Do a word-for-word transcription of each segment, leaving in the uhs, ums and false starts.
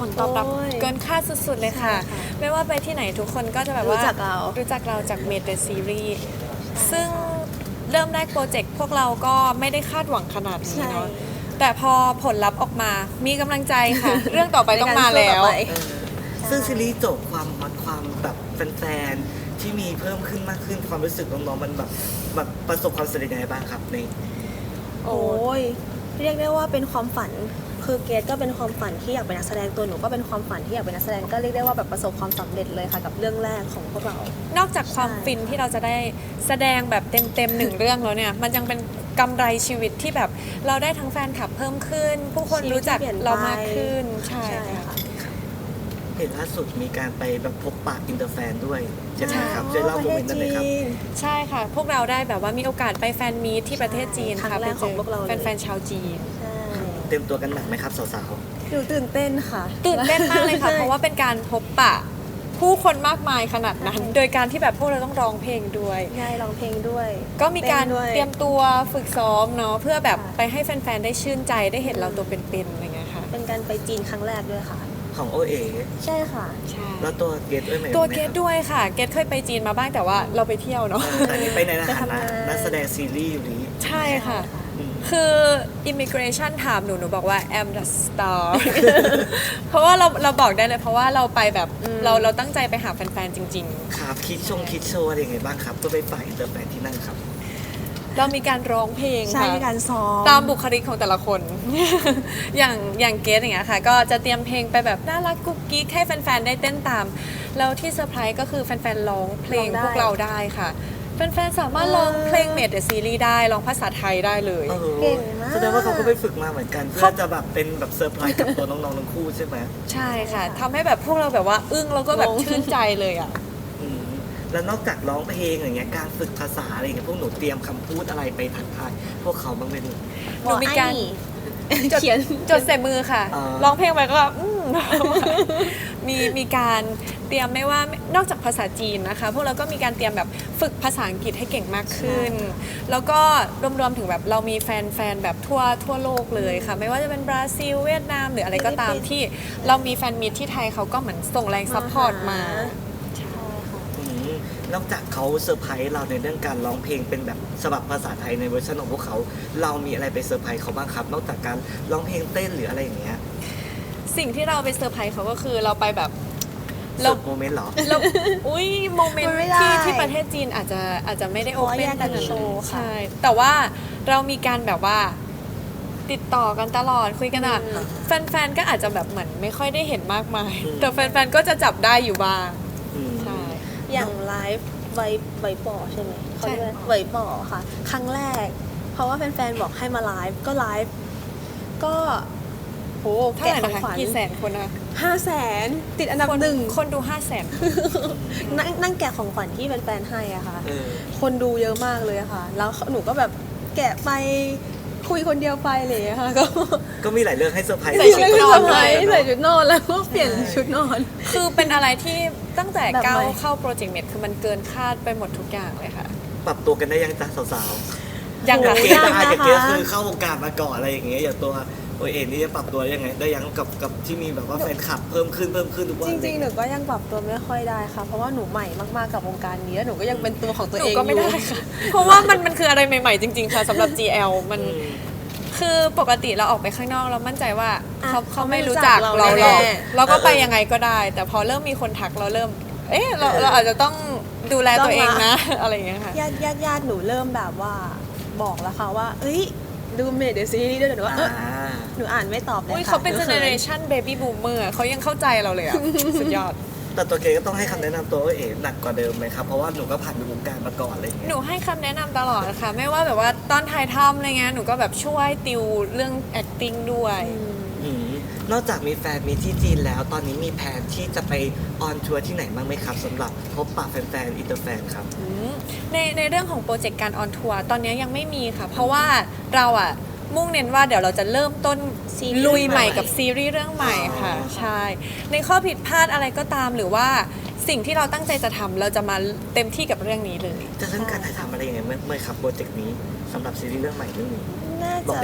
ลตอบรับเกินคาดสุดๆเลยค่ะ ไม่ว่าไปที่ไหนทุกคนก็จะแบบว่ารู้จักเรารู้รู้จักเราจากเมดเดอะซีรีส์ซึ่งเริ่มแรกโปรเจกต์พวกเราก็ไม่ได้คาดหวังขนาดนี้เนาะแต่พอผลลัพธ์ออกมามีกำลังใจค่ะ เรื่องต่อไปต้องมาแล้วเออซึ่งซีรีส์จบความฮอตความแบบแฟนๆที่มีเพิ่มขึ้นมากขึ้นความรู้สึกน้องๆมันแบบแบบประสบความสำเร็จยังไงบ้างครับในโอ้ยเรียกได้ว่าเป็นความฝันคือเกดก็เป็นความฝันที่อยากเป็นนักแสดงตัวหนูก็เป็นความฝันที่อยากเป็นนักแสดงก็เรียกได้ว่าแบบประสบความสำเร็จเลยค่ะกับเรื่องแรกของพวกเรานอกจากความใช่ฟินที่เราจะได้แสดงแบบเต็มๆหนึ่งเรื่องแล้วเนี่ยมันยังเป็นกำไรชีวิตที่แบบเราได้ทั้งแฟนคลับเพิ่มขึ้น ผู้คนรู้จักเรามากขึ้นใช่ใช่ค่ะค่ะเห็นล่าสุดมีการไปแบบพบปะอินเตอร์แฟนด้วยใช่ไหมครับอ๋อช่วยเล่าโมเมนต์นั้นหน่อยครับประเทศจีนใช่ค่ะ พวกเราได้แบบว่ามีโอกาสไปแฟนมีตที่ประเทศจีนครั้ค่ะงแรกไปของพวกเราเลยแฟนๆชาวจีนใช่เตรียมตัวกันหนักไหมครับสาวหนูตื่นเต้นค่ะตื่นเต้นมากเลยค่ะ เพราะว่าเป็นการพบปะผู้คนมากมายขนาดนั้น โดยการที่แบบพวกเราต้องร้องเพลงด้วยง่ายร้องเพลงด้วยก็มีการต้นด้วยเตรียมตัวฝึกซ้อมเนาะเพื่อแบบค่ะไปให้แฟนๆได้ชื่นใจได้เห็นเราตัวเป็นๆอะไรเงี้ยค่ะเป็นการไปจีนครั้งแรกด้วยค่ะๆของโอเอใช่ค่ะใช่แล้วตัวเกดด้วยไหมตัวเกคดรับด้วยค่ะ เกดเคยไปจีนมาบ้างแต่ว่าเราไปเที่ยวเนาะเออแต่อันนี้ไปในฐาไปทำนะงานนักแสดงซีรีส์อยู่นี้ใช่ค่ะอืมคือ immigration ถามหนูหนูบอกว่า I'm the star เพราะว่าเราเราบอกได้เลยเพราะว่าเราไปแบบอืมเราเราตั้งใจไปหาแฟนๆจริงครับคิดชงคิดโชว์อะไรยังไงบ้างครับเพื่อไปฝ่ายอินเตอร์แฟนที่นั่นครับๆ เรามีการร้องเพลงใช่ค่ะมีการซ้อมตามบุคลิกของแต่ละคน อย่างอย่างเกสอย่างเงี้ยค่ะ ก็จะเตรียมเพลงไปแบบน่ารักกุ๊กกิ๊กให้แฟนๆได้เต้นตาม แล้วที่เซอร์ไพรส์ก็คือแฟนๆร้องเพลงร้องได้พวกเราได้ค่ะ แฟนๆสามารถร้องเพลงเมดเดอะซีรีส์ได้ร้องภาษาไทยได้เลยเออเก่งมากแสดงว่าเขาก็ไปฝึกมาเหมือนกัน เพื่อจะแบบเป็นแบบเซอร์ไพรส์กับตัวน้องๆทั้งคู่ใช่ไหมใช่ค่ะทำให้แบบพวกเราแบบว่าอึ้งแล้วก็แบบงงชื่นใจเลยอ่ะอืมแล้วนอกจากร้องเพลงอย่างเงี้ยการฝึกภาษาอะไรอย่างเงี้ยพวกหนูเตรียมคำพูดอะไรไปทักทายพวกเขาบ้างไหมหนูหนูมีการจดเขียนจดใส่มือค่ะอ่าร้องเพลงไปก็อืม มีมีการเตรียมไม่ว่านอกจากภาษาจีนนะคะ พวกเราก็มีการเตรียมแบบฝึกภาษาอังกฤษให้เก่งมากขึ้น แล้วก็รวมๆถึงแบบเรามีแฟนๆแบบทั่วทั่วโลกเลยค่ะ ไม่ว่าจะเป็นบราซิลเวียดนามหรืออะไรก็ตามฟิลิปปินส์ที่เรามีแฟนมีตที่ไทยเขาก็เหมือนส่งแรงซัพพอร์ตมาใช่ค่ะอืมนอกจากเขาเซอร์ไพรส์เราในเรื่องการร้องเพลงเป็นแบบฉบับภาษาไทยในเวอร์ชันของพวกเขา เรามีอะไรไปเซอร์ไพรส์เขาบ้างครับ นอกจากการร้องเพลงเต้นหรืออะไรอย่างเงี้ยสิ่งที่เราไปเซอร์ไพรส์เขาก็คือเราไปแบบเสิร์ฟโมเมนต์เหรอเราอุ้ยโมเมนมันต์ไม่ได้ที่ที่ประเทศจีนอาจจะอาจจะไม่ได้เพโอราะว่าเปแยนกกันขนาดโชว์ค่ะใช่ แต่ว่าเรามีการแบบว่าติดต่อกันตลอดคุยกันอ่ะอืมแฟนๆ ก็อาจจะแบบเหมือนไม่ค่อยได้เห็นมากมายอืมแต่แฟนๆ ก็จะจับได้อยู่บ้างอืมใช่อย่างไลฟ์ไวไวป่อใช่ไหมเขาเรียกว่าใช่ไวป่อค่ะ ครั้งแรก เพราะว่าแฟนๆ บอกให้มาไลฟ์ก็ไลฟ์ก็โหเท่าไหแกะร่ของนะคะขวัญกี่แสนคนนะห้าแสนติดอันดับคนหนึ่งคนดูห้าแสนนั่งนั่งแกะของขวัญที่แฟนๆให้อะค่ะเออคนดูเยอะมากเลยอะค่ะ แล้วหนูก็แบบแกะไปคุยคนเดียวไปเลยอะค่ะ ก็ก็มีหลายเรื่องให้เซอร์ไพรส์ใส่ชุดนอนใส่เลยใส่ชุดนอนแล้วก็เปลี่ยนชุดนอนคือเป็นอะไรที่ตั้งแต่แบบก้าวใหม่เข้าโปรเจกต์เมดคือมันเกินคาดไปหมดทุกอย่างเลยค่ะปรับตัวกันได้ยังจ้ะสาวยังๆค่ะเกยากดนะคะอาจจะเกดคือเข้าวงการมาก่อนอะไรอย่างเงี้ยอย่างตัวโอเอ็นนี่จะปรับตัวยังไงได้ยังกับกับที่มีแบบว่าแฟนคลับเพิ่มขึ้นเพิ่มขึ้นทุกวันจริงๆ หนูก็ยังปรับตัวไม่ค่อยได้ค่ะ เพราะว่าหนูใหม่มากๆ กับวงการนี้แล้วหนูก็ยังเป็นตัวของตัวหนูเองก็ไม่ได้อยู่ค่ะ เพราะว่ามันมันคืออะไรใหม่ๆจริงๆ ค่ะสำหรับ จี แอล มันอืมคือปกติเราออกไปข้างนอกเรามั่นใจว่าอ่ะเขาเขาไม่เขาไม่รู้รู้จัจักกเราเราหรอกแน่เราก็ไปเออยังไงก็ได้ แต่พอเริ่มมีคนทักเราเริ่ม เอ๊ะเราเราอาจจะต้องดูแลตัวเองนะ อะไรอย่างเงี้ยค่ะญาติญาติญาติหนูเริ่มแบบว่าบอกแล้วค่ะว่า เอ้ย ดูเมดเดอะซีรีส์ด้วยหนูว่าเอออ่าหนูอ่านไม่ตอบเลยอุ้ยค่ะเขาเป็นหเจขิเนเรชันเบบี้บูมเมอร์เขายังเข้าใจเราเลยอ่ะ สุดยอดแต่ตัวเกดก็ต้องให้คำแนะนำตัวโอเอ็นหนักกว่าเดิมไหมครับ เพราะว่าหนูก็ผ่านวงการมาก่อนอะไรอย่างหเงี้ยนูให้คำแนะนำตลอดค่ะ ไม่ว่าแบบว่าตอนถ่ายทำอะไรเงี้ยหนูก็แบบช่วยติวเรื่อง acting ด้วยอืมอืมนอกจากมีแฟนมีที่จีนแล้ว ตอนนี้มีแผนที่จะไปออนทัวร์ที่ไหนบ้างไหมครับสำหรับพบปะแฟนๆอินเตอร์แฟนครับอืมในในเรื่องของโปรเจกต์การออนทัวร์ตอนนี้ยังไม่มีค่ะ เพราะว่าเราอะมุ่งเน้นว่าเดี๋ยวเราจะเริ่มต้นซีรีส์ลุยใหม่ใหม่กับซีรีส์เรื่องใหม่อ๋อค่ะ ใช่ ในข้อผิดพลาดอะไรก็ตามหรือว่าสิ่งที่เราตั้งใจจะทำเราจะมาเต็มที่กับเรื่องนี้เลยจะเริ่มการถ่ายทำอะไรยังไงเมื่อเมื่อครับโปรเจกต์นี้สำหรับซีรีส์เรื่องใหม่เรื่องนี้น่าบอกจะได้ยัง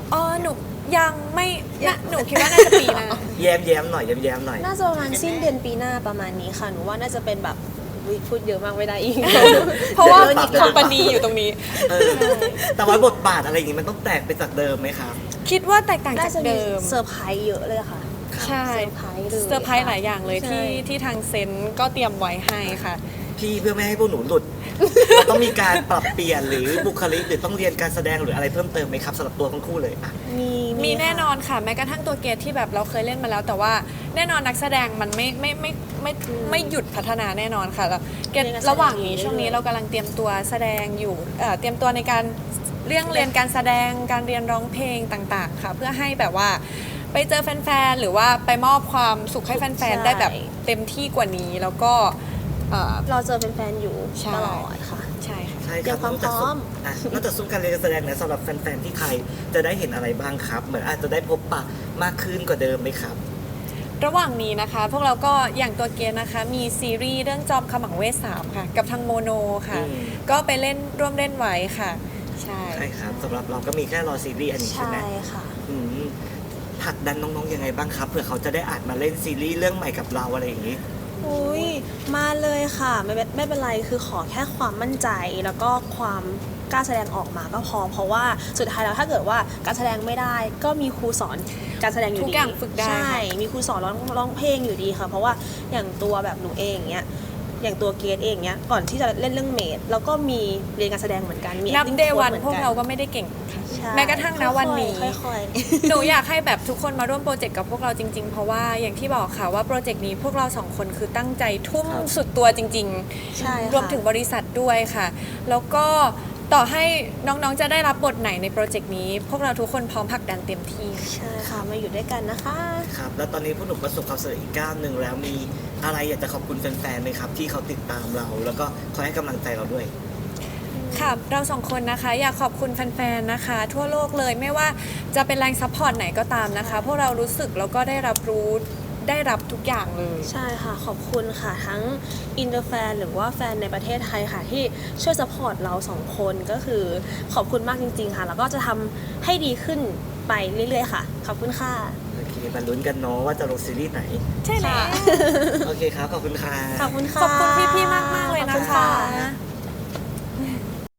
อ๋อหนูยังไม่น่ะหนูคิดว่าน่าจะปีหน้าแย้มแย้มๆหน่อยแย้มแย้มๆหน่อยน่าจะประมาณสิ้นเดือนปีหน้าประมาณนี้ค่ะหนูว่าน่าจะเป็นแบบอุ๊ยพูดเยอะมากไม่ได้อีกเพราะว่าดี๋ยโดนหยิบคอมพานีอยู่ตรงนี้เออแต่ว่าบทบาทอะไรอย่างงี้มันต้องแตกไปจากเดิมไหมครับคิดว่าแตกต่างน่าจากจะมีเดิมเซอร์ไพรส์เยอะเลยค่ะใช่เซอร์ไพรส์เลยเซอร์ไพรส์หลายอย่างเลยใช่ที่ที่ทางเซนต์ก็เตรียมไว้ให้ค่ะพี่เพื่อไม่ให้พวกหนูหลุด เราต้องมีการปรับเปลี่ยนหรือบุคลิกหรือต้องเรียนการแสดงหรืออะไรเพิ่มเติมไหมครับสำหรับตัวทั้งคู่เลยอ่ะมีมีแน่นอค่ะนค่ะแม้กระทั่งตัวเกตที่แบบเราเคยเล่นมาแล้ว แต่ว่าแน่นอนนักแสดงมันไม่ไม่ไม่ไม่ไม่ไม่หยุดพัฒนาแน่นอนค่ะแล้วเกตเรียนการแสดงระหว่างนี้อยู่ช่วงนี้เรื่อยๆเรากำลังเตรียมตัวแสดงอยู่เอ่อเตรียมตัวในการเรื่องเรียนการแสดงการเรียนร้องเพลงต่างๆ ค่ะ เพื่อให้แบบว่าไปเจอแฟนๆหรือว่าไปมอบความสุขให้แฟนๆได้แบบเต็มที่กว่านี้แล้วก็เอ่อเราเจอเป็นแฟนๆอยู่ใช่ตลอดค่ะใช่ค่ะใช่คเตรีรัยบมความนอกจากพร้อมอ่ะนอกจากซุ้มการเรียนการแสดงเนี่ยสำหรับแฟนๆที่ไทยจะได้เห็นอะไรบ้างครับ เหมือนอาจจะได้พบปะมากขึ้นกว่าเดิมไหมครับระหว่างนี้นะคะ พวกเราก็อย่างตัวเกณฑ์นะคะ มีซีรีส์เรื่องจอมขมังเวทสามค่ะ กับทางโมโนค่ะอืมก็ไปเล่นร่วมเล่นไว้ค่ะ ใช่ใช่ครับสำหรับเราก็มีแค่รอซีรีส์อันนี้ใช่ใช่ไหมค่ะอืมผลักดันน้องๆยังไงบ้างครับเผื่อเขาจะได้อาจมาเล่นซีรีส์เรื่องใหม่กับเราอะไรอย่างนี้อุ้ยมาเลยค่ะไม่เป็นไม่เป็นไรคือขอแค่ความมั่นใจแล้วก็ความกล้าแสดงออกมาก็พอ เพราะว่าสุดท้ายแล้วถ้าเกิดว่าการแสดงไม่ได้ ก็มีครูสอนการแสดงอยู่ดีทุกอย่างฝึกได้ใช่ค่ะมีครูสอนร้องร้องเพลงอยู่ดีค่ะ เพราะว่าอย่างตัวแบบหนูเองเนี้ยอย่างตัวเกรดเองเนี้ยก่อนที่จะเล่นเรื่องเมดแล้วก็มีเรียนการแสดงเหมือนกันมีนับ acting เด coach วันหมือนพวกนเราก็ไม่ได้เก่งค่ะใช่แม้กระทั่งนะวันนี้ค่อยๆหนูอยากให้แบบทุกคนมาร่วมโปรเจกต์กับพวกเราจริงๆ เพราะว่าอย่างที่บอกค่ะว่าโปรเจกต์นี้พวกเราสองคนคือตั้งใจทุ่มครับสุดตัวจริงใช่ค่ะรวมถึงบริษัทด้วยค่ะ แล้วก็ต่อให้น้องๆจะได้รับบทไหนในโปรเจกต์นี้ พวกเราทุกคนพร้อมผลักดันเต็มที่ใช่ค่ะมาอยู่ด้วยกันนะคะครับ แล้วตอนนี้พวกหนูประสบความสำเร็จอีกก้าวหนึ่งแล้วมีอะไรอยากจะขอบคุณแฟนๆไหมครับ ที่เขาติดตามเรา แล้วก็คอยให้กำลังใจเราด้วยค่ะเราสองคนนะคะอยากขอบคุณแฟนๆนะคะ ทั่วโลกเลยไม่ว่าจะเป็นแรงซัพพอร์ตไหนก็ตามนะคะ พวกเรารู้สึกแล้วก็ได้รับรู้ได้รับทุกอย่างเลยใช่ค่ะ ขอบคุณค่ะ ทั้งอินเตอร์แฟนหรือว่าแฟนในประเทศไทยค่ะ ที่ช่วยสปอร์ตเราสองคนก็คือขอบคุณมากจริง ๆ ค่ะ แล้วก็จะทำให้ดีขึ้นไปเรื่อยๆค่ะ ขอบคุณค่ะโอเคมาลุ้นกันเนาะว่าจะลงซีรีส์ไหนใช่แล้วค่ะโอเคครับ ขอบคุณค่ะขอบคุณค่ะขอบคุณพี่ๆมากๆเลยขอบนะคุณคะ